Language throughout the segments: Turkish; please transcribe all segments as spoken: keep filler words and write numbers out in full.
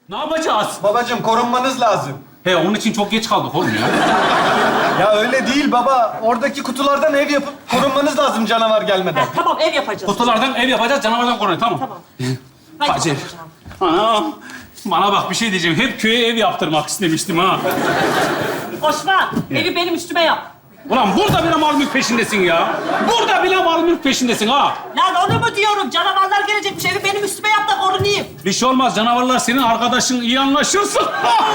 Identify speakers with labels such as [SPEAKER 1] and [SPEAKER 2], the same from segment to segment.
[SPEAKER 1] Ne yapacağız?
[SPEAKER 2] Babacığım korunmanız lazım.
[SPEAKER 1] He, onun için çok geç kaldık oğlum ya.
[SPEAKER 2] Ya öyle değil baba. Oradaki kutulardan ev yapıp korunmanız lazım canavar gelmeden.
[SPEAKER 3] Ha, tamam ev yapacağız.
[SPEAKER 1] Kutulardan ev yapacağız, canavardan koruyun. Tamam.
[SPEAKER 3] Tamam. Hadi
[SPEAKER 1] Hacer.
[SPEAKER 3] bakalım.
[SPEAKER 1] Anam. Bana bak bir şey diyeceğim. Hep köye ev yaptırmak istemiştim ha.
[SPEAKER 3] Osman, evi benim üstüme yap.
[SPEAKER 1] Ulan burada bile mal mülk peşindesin ya. Burada bile mal mülk peşindesin ha.
[SPEAKER 3] Lan onu mu diyorum? Canavarlar gelecekmiş. Evi benim üstüme yap da korunayım.
[SPEAKER 1] Bir şey olmaz. Canavarlar senin arkadaşın. İyi anlaşırsın.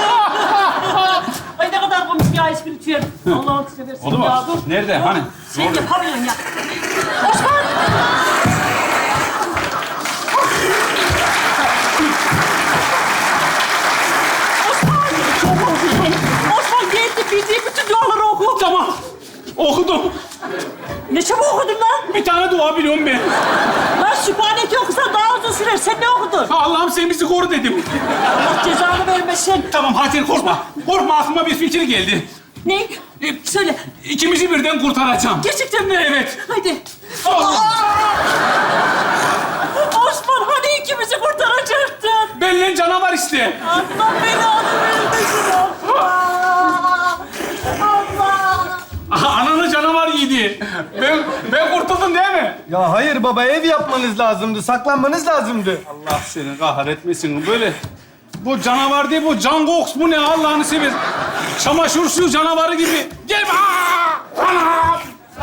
[SPEAKER 3] Ay ne kadar komik ya espritüel. Allah'ını seversin
[SPEAKER 1] Oldu mu?
[SPEAKER 3] ya. Dur.
[SPEAKER 1] Nerede?
[SPEAKER 3] Dur.
[SPEAKER 1] Hani?
[SPEAKER 3] Sen
[SPEAKER 1] Orada.
[SPEAKER 3] yapamıyorsun ya. Osman! Osman! Osman geldi. Bildiği bütün duaları oku.
[SPEAKER 1] Tamam. Okudum.
[SPEAKER 3] Ne çabuk okudun lan?
[SPEAKER 1] Bir tane dua biliyorum ben.
[SPEAKER 3] Lan Sübhaneke okusan daha uzun sürer. Sen ne okudun?
[SPEAKER 1] Allah'ım sen bizi koru dedim.
[SPEAKER 3] Allah cezanı vermesin.
[SPEAKER 1] Tamam Hacer korkma. Korkma aklıma bir fikir geldi.
[SPEAKER 3] Ne?
[SPEAKER 1] E,
[SPEAKER 3] Söyle.
[SPEAKER 1] İkimizi birden kurtaracağım.
[SPEAKER 3] Gerçekten mi?
[SPEAKER 1] Evet.
[SPEAKER 3] Haydi.
[SPEAKER 1] Allah.
[SPEAKER 3] Osman hani ikimizi kurtaracaktın?
[SPEAKER 1] Benimle canavar işte.
[SPEAKER 3] Allah belanı vermesin Allah. Allah.
[SPEAKER 1] Aha, ananı canavar yedi. Ben, ben kurtuldum değil mi?
[SPEAKER 2] Ya hayır baba ev yapmanız lazımdı. Saklanmanız lazımdı.
[SPEAKER 1] Allah seni kahretmesin. Böyle bu canavar değil bu. Can Gox bu ne Allah'ını seversen. Çamaşır suyu canavarı gibi. Gel. Aa! Anam!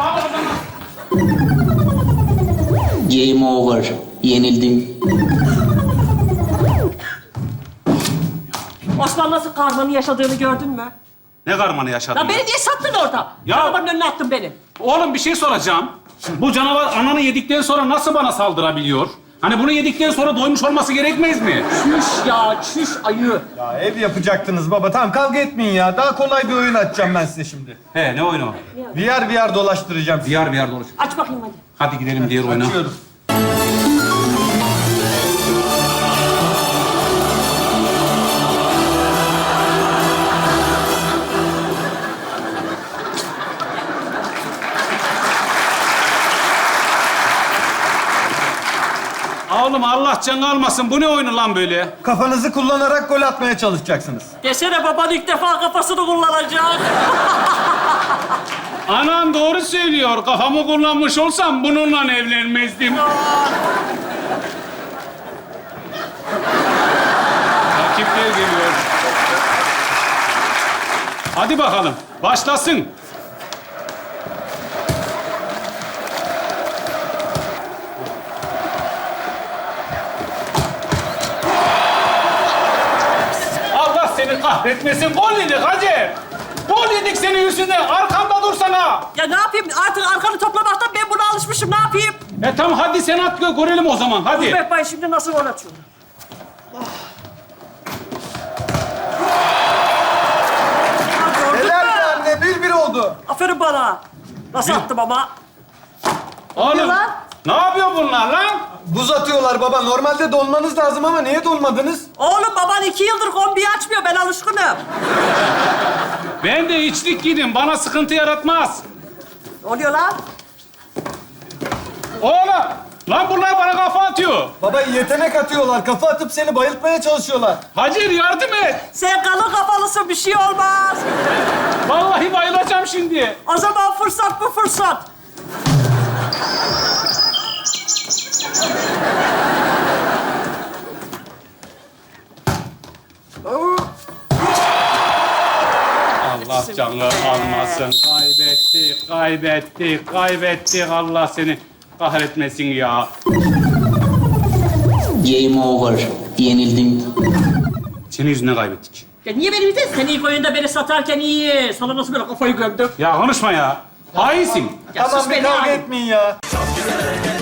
[SPEAKER 4] Game over. Yenildin.
[SPEAKER 3] Osman nasıl karmanın yaşadığını gördün mü?
[SPEAKER 1] Ne karmanı yaşadın?
[SPEAKER 3] Lan beni niye sattın orada?
[SPEAKER 1] Ya-
[SPEAKER 3] Arabanın önüne attın beni.
[SPEAKER 1] Oğlum bir şey soracağım. Bu canavar ananı yedikten sonra nasıl bana saldırabiliyor? Hani bunu yedikten sonra doymuş olması gerekmez mi?
[SPEAKER 3] Çüş ya, çüş ayı.
[SPEAKER 2] Ya ev yapacaktınız baba. Tamam kavga etmeyin ya. Daha kolay bir oyun açacağım ben size şimdi.
[SPEAKER 1] He ne oyunu?
[SPEAKER 2] V R V R dolaştıracağım sizi.
[SPEAKER 1] Diyar bir yer dolaş.
[SPEAKER 3] Aç bakayım hadi.
[SPEAKER 1] Hadi gidelim diğer oyuna.
[SPEAKER 2] Açıyorum.
[SPEAKER 1] Oğlum Allah canı almasın. Bu ne oyunu lan böyle?
[SPEAKER 2] Kafanızı kullanarak gol atmaya çalışacaksınız.
[SPEAKER 3] Desene baban ilk defa kafasını kullanacak.
[SPEAKER 1] Anan doğru söylüyor. Kafamı kullanmış olsam bununla evlenmezdim. Rakipler geliyor. Hadi bakalım. Başlasın. Allah seni kahretmesin. Gol yedik Hacer. Gol yedik senin yüzünden. Arkanda dursana.
[SPEAKER 3] Ya ne yapayım? Artık arkanı toplamaktan ben buna alışmışım. Ne yapayım?
[SPEAKER 1] E tamam hadi sen at gö- görelim o zaman. Hadi.
[SPEAKER 3] Bek Bay şimdi nasıl gol atıyor? Ah, gördün
[SPEAKER 2] Helal
[SPEAKER 3] mü?
[SPEAKER 2] be anne. Bir bir oldu.
[SPEAKER 3] Aferin bana. Nasıl attım ama?
[SPEAKER 1] Oğlum
[SPEAKER 3] lan?
[SPEAKER 1] ne yapıyor bunlar lan?
[SPEAKER 2] Buz atıyorlar baba. Normalde donmanız lazım ama niye donmadınız?
[SPEAKER 3] Oğlum baban iki yıldır kombiyi açmıyor. Ben alışkınım.
[SPEAKER 1] Ben de içlik giydim. Bana sıkıntı yaratmaz.
[SPEAKER 3] Ne oluyor lan?
[SPEAKER 1] Oğlum lan bunlar bana kafa atıyor.
[SPEAKER 2] Baba yetenek atıyorlar. Kafa atıp seni bayıltmaya çalışıyorlar.
[SPEAKER 1] Hacer yardım et.
[SPEAKER 3] Sen kalın kafalısın. Bir şey olmaz.
[SPEAKER 1] Vallahi bayılacağım şimdi.
[SPEAKER 3] O zaman fırsat bu fırsat.
[SPEAKER 1] Allah canını almasın. Kaybettik, kaybettik, kaybettik. Allah seni kahretmesin ya.
[SPEAKER 4] Game over. Yenildin.
[SPEAKER 1] Senin yüzünden kaybettik.
[SPEAKER 3] Ya niye beni bildin? Sen ilk oyunda beni satarken iyi. Sana nasıl böyle kafayı gömdüm?
[SPEAKER 1] Ya konuşma ya. Hainsin.
[SPEAKER 3] Ya
[SPEAKER 2] tamam
[SPEAKER 3] sus
[SPEAKER 2] bir
[SPEAKER 3] beni
[SPEAKER 2] kavga
[SPEAKER 3] abi.
[SPEAKER 2] etmeyin ya.